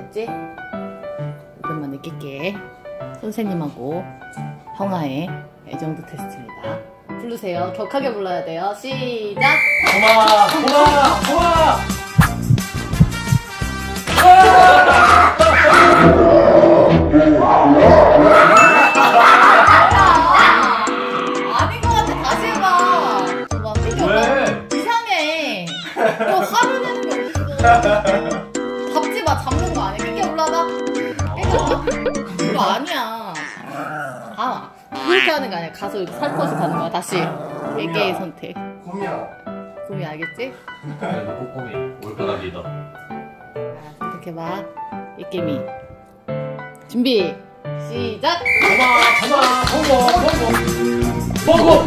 알겠지? 오랜만에 낄게. 선생님하고 형아의 애정도 테스트입니다. 부르세요. 격하게 불러야 돼요. 시작! 고마워! 고마워! 고마워! 아닌 것 같아. 다시 해봐. 왜? 이상해. 너 화를 내는 게 어딨어. 잡지 마. 잡는 거 아니야. 끼게 올라가. 그거 아니야. 아, 그렇게 하는 거 아니야. 가서 이렇게 살포시 가는 거야. 다시. 개개의 선택. 곰이야. 꿈이 알겠지? 너 꼬꼬미 올 거다 리더. 선택해봐. 이끼미. 준비. 시작! 고마워! 고마워!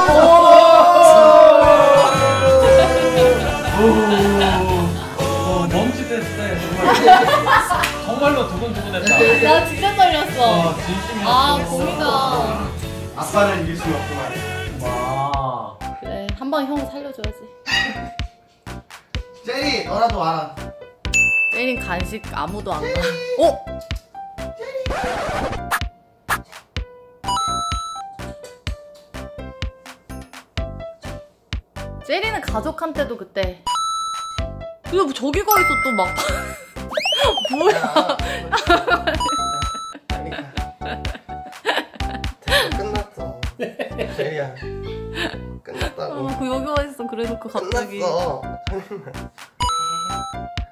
고마워! 멈칫했을 정말로 두근두근했다. 나 진짜 떨렸어. 진심이었어. 아, 곰이다. 아빠를 이길 수는 없구만. 와. 그래, 한 번 형 살려줘야지. 제리, 너라도 와라. 때린 간식 아무도 안 가. 어? 제리는 가족한테도 그때 근데 뭐 저기 가 있어 또 막 뭐야. 끝났어. 제리야. 끝났다고. 그 여기 와 있어. 그래놓고 갑자기 끝났어.